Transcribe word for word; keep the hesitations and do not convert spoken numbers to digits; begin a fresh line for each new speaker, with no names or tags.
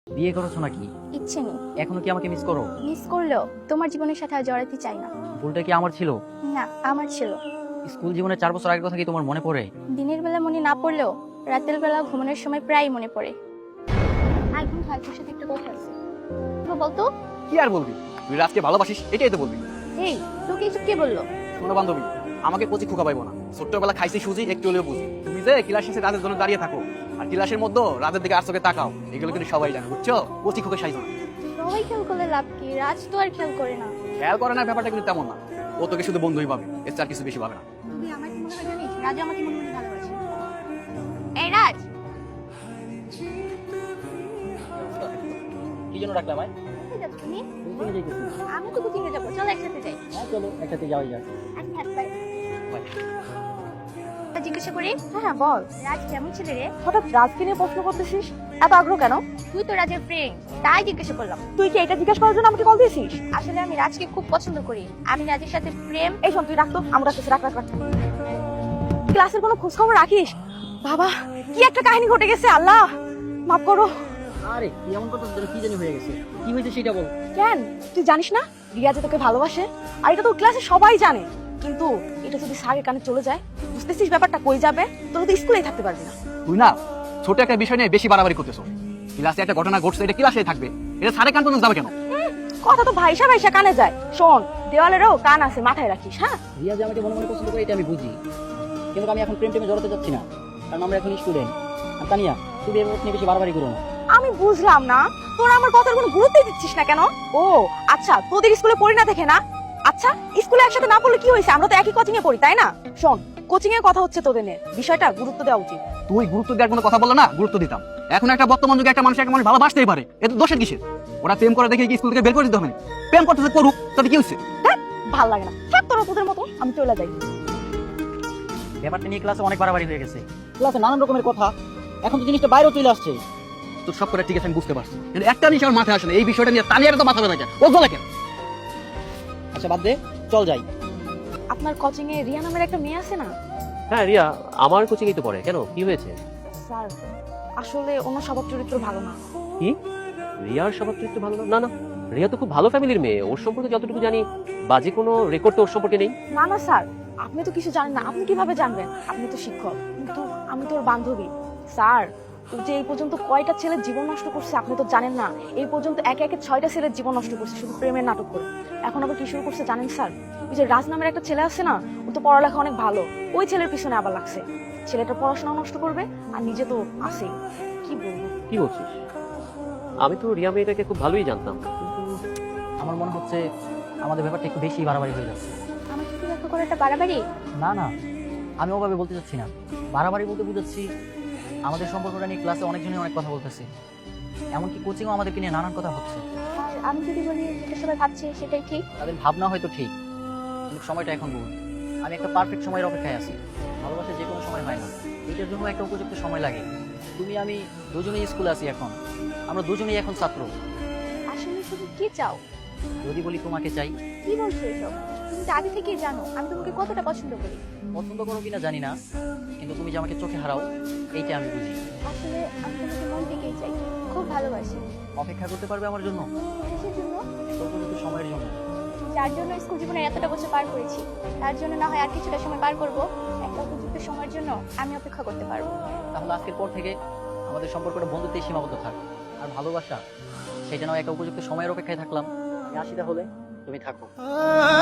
বিয়ে করেছো নাকি?
ইচ্ছে নেই।
এখনো কি আমাকে মিস করো?
মিস করলেও তোমার জীবনের সাথে আর জড়াতে চাই না।
ভুলটা কি আমার ছিল?
না, আমার ছিল।
স্কুল জীবনে চার বছর আগের কথা কি তোমার মনে পড়ে?
দিনের বেলা মনে না পড়লেও রাতের বেলা ঘুমানোর সময় প্রায় মনে পড়ে। আর বন্ধু, তোর সাথে একটা কথা আছে, তো বলতো।
কি আর বলবি, তুই রাজকে ভালোবাসিস এটাই তো বলবি।
এই, তোকে এসব কে বললো?
শোনো বান্ধবী, আমাকে কচি খোকা পাইবো না। ছোট্টবেলা খাইছি সুজি, একটু হলেও বুঝি। তুমি যে ক্লাস শেষে রাতের জন্য দাঁড়িয়ে থাকো আর ক্লাসের মধ্যে রাতের দিকে আর চোখে তাকাও, এগুলো কিন্তু সবাই জানে, বুঝছো? কচি খোকা সাইজ না।
সবাই খেয়াল করলে লাভ কি? রাজ তো আর খেয়াল করে না।
খেয়াল করে না ব্যাপারটা কিন্তু তেমন না। ও তোকে শুধু বন্ধুই ভাবে, এর চার কিছু বেশি ভাবে না।
তুই আমার কি মনে হয় জানিস? রাজ আমাকে মনে মনে ভালোবাসে। এই রাজ,
কি জন্য রাখলাম ভাই?
কোথায় যাচ্ছ তুমি?
তুমি যাইতেছি।
আমি তো কোচিংয়ে যাবো, চল একসাথে যাই।
হ্যাঁ চলো একসাথে যাওয়াই যাক।
আচ্ছা, হাত বাই।
বাই।
জিজ্ঞাসা করি,
হ্যাঁ হ্যাঁ বল।
রাজ কেমন ছেলে রে?
হঠাৎ রাজকে নিয়ে প্রশ্ন করতেছিস, এত আগ্রহ কেন?
তুই তো রাজের ফ্রেন্ড, তাই জিজ্ঞাসা করলাম।
তুই কি এটা জিজ্ঞাসা করার জন্য আমাকে কল দিয়েছিস?
আসলে আমি রাজকে খুব পছন্দ করি। আমি রাজের সাথে প্রেম।
এই শোন, তুই রাখতো, আমরা রাখতেছি, রাখ রাখ রাখ। ক্লাসের কোনো খোঁজ খবর রাখিস? বাবা, কি একটা কাহিনী ঘটে গেছে, আল্লাহ মাফ করো।
আরে কি এমন করতেছ যেন কি জানি হয়ে গেছে? কি হয়েছে সেটা বল।
কেন তুই জানিস না রিয়া যে তোকে ভালোবাসে? আর এটা তো ক্লাসে সবাই জানে, কিন্তু এটা যদি স্যারের কানে চলে যায়, বুঝতেছিস ব্যাপারটা কই যাবে? তোর তো স্কুলেই থাকতে পারবি না।
তুই না ছোট একটা বিষয় নিয়ে বেশি বাড়াবাড়ি করতেছো। ক্লাসে একটা ঘটনা ঘটছে, এটা ক্লাসে থাকবে, এটা সাড়ে কান পর্যন্ত যাবে কেন?
কথা তো ভাইসা ভাইসা কানে যায়। শোন, দেওয়ালেরও কান আছে, মাথায় রাখিস। হ্যাঁ,
রিয়া যে আমাকে মনে মনে পছন্দ করে এটা আমি বুঝি, কিন্তু আমি এখন প্রেম টেমে জড়াতে যাচ্ছি না, কারণ আমরা এখন স্টুডেন্ট। আর তানিয়া, তুমি এর নিয়ে বেশি বাড়াবাড়ি করো না।
আমি বুঝলাম না তোরা আমার কথার কোনো গুরুত্বই দিচ্ছিস না কেন? ও আচ্ছা, তোদের স্কুলে পড়ি না দেখে না? আচ্ছা, স্কুলে একসাথে না পড়লে কি হয়েছে? আমরা তো একই কোচিং এ পড়ি, তাই না? শোন, কোচিং এর কথা হচ্ছে তোদের নিয়ে, বিষয়টা গুরুত্ব দেওয়া উচিত।
তুই গুরুত্ব দেওয়ার কোনো কথা বললে না, গুরুত্ব দিতাম। এখন একটা বর্তমান যুগে একটা মানুষ একটা মানুষ ভালোবাসতেই পারে, এত দোষের কিসের? ওরা প্রেম করে দেখে কি স্কুল থেকে বের করে দিতে হবে? প্রেম করতেছে করুক, তাতে কি হচ্ছে?
হ্যাঁ, ভাল লাগে না। থাক তোরা তোদের মতো, আমি চলে যাই।
ব্যাপারটা নিয়ে ক্লাসে অনেক বাড়াবাড়ি হয়ে গেছে। ক্লাসে নানান রকমের কথা, এখন তো জিনিসটা বাইরেও চলে আসছে।
তোর সব করে ঠিক আছে, আমি বুঝতে পারছি, কিন্তু একটা জিনিস আমার মাথায় আসে না, এই বিষয়টা নিয়ে তানিয়ার তো মাথা ব্যথা কেন, ও বলে কেন?
আচ্ছা বাদ দে, চল যাই।
আপনার কোচিং এ রিয়া নামের একটা মেয়ে আছে না?
হ্যাঁ রিয়া আমার কোচিংই তো পড়ে। কেন, কি হয়েছে?
স্যার, আসলে ওনার স্বভাব চরিত্র ভালো না।
কি, রিয়ার স্বভাব চরিত্র ভালো না? না না, রিয়া তো খুব ভালো ফ্যামিলির মেয়ে। ওর সম্পর্কে যতটুকু জানি, বাজে কোনো রেকর্ড তো ওর সম্পর্কে নেই।
না না স্যার, আপনি তো কিছু জানেন না। আপনি কিভাবে জানবেন? আপনি তো শিক্ষক, কিন্তু আমি তোর বান্ধবী। স্যার, ও যে এই পর্যন্ত কয়টা ছেলের জীবন নষ্ট করছে আপনি তো জানেন না। এই পর্যন্ত একে একে ছয়টা ছেলের জীবন নষ্ট করছে শুধু প্রেমের নাটক করে। এখন আবার কি শুরু করছে জানেন স্যার? ওই যে রাজ নামের একটা ছেলে আছে না, ও তো পড়ালেখা অনেক ভালো, ওই ছেলের পিছনে আবার লাগছে। ছেলেটা পড়াশোনা নষ্ট করবে আর নিজে তো আছেই। কি বলবো?
কি বলছিস? আমি তো রিয়া মেয়েটাকে খুব ভালোই জানতাম।
আমার মনে হচ্ছে আমাদের ব্যাপারটা একটু বেশি বাড়াবাড়ি হয়ে যাচ্ছে।
আমার সাথে দেখা করে একটা বাড়াবাড়ি।
না না, আমি ওভাবে বলতে চাচ্ছি না। বাড়াবাড়ি বলতে বুঝাচ্ছি, আমাদের সম্পর্কটা নিয়ে ক্লাসে অনেকজনই অনেক কথা বলতেছে, এমনকি কোচিংও আমাদেরকে নিয়ে নানান কথা হচ্ছে।
আর আমি যদি বলি যেটা সবাই ভাবছে সেটাই ঠিক।
তাদের ভাবনা হয়তো ঠিক, কিন্তু সময়টা এখন ভুল। আমি একটা পারফেক্ট সময়ের অপেক্ষায় আছি। ভালোবাসা যে কোনো সময় হয় না, এটার জন্য একটা উপযুক্ত সময় লাগে। তুমি আমি দুজনেই স্কুলে আছি এখন, আমরা দুজনেই এখন ছাত্র।
আসলে তুমি কি চাও?
যদি বলি তোমাকে চাই।
কি বলছো এসব? তুমি তো আগে থেকেই জানো আমি তোমাকে কতটা পছন্দ করি।
পছন্দ করো কিনা জানি না, কিন্তু তুমি যে আমাকে চোখে হারাও এইটা আমি বুঝি।
আসলে আমি তোমাকে মন থেকেই চাই, খুব ভালোবাসি।
অপেক্ষা করতে পারবে আমার জন্য?
কিসের জন্য?
উপযুক্ত সময়ের জন্য।
যার জন্য স্কুল জীবনে এতটা বছর পার করেছি, তার জন্য না হয় আর কিছুটা সময় পার করব। একটা উপযুক্ত সময়ের জন্য আমি অপেক্ষা করতে পারবো।
তাহলে আজকের পর থেকে আমাদের সম্পর্কটা বন্ধুত্বেই সীমাবদ্ধ থাক। আর ভালোবাসা, সেটা নয় একটা উপযুক্ত সময়ের অপেক্ষায় থাকলাম। আমি আসি, তাহলে তুমি থাকো।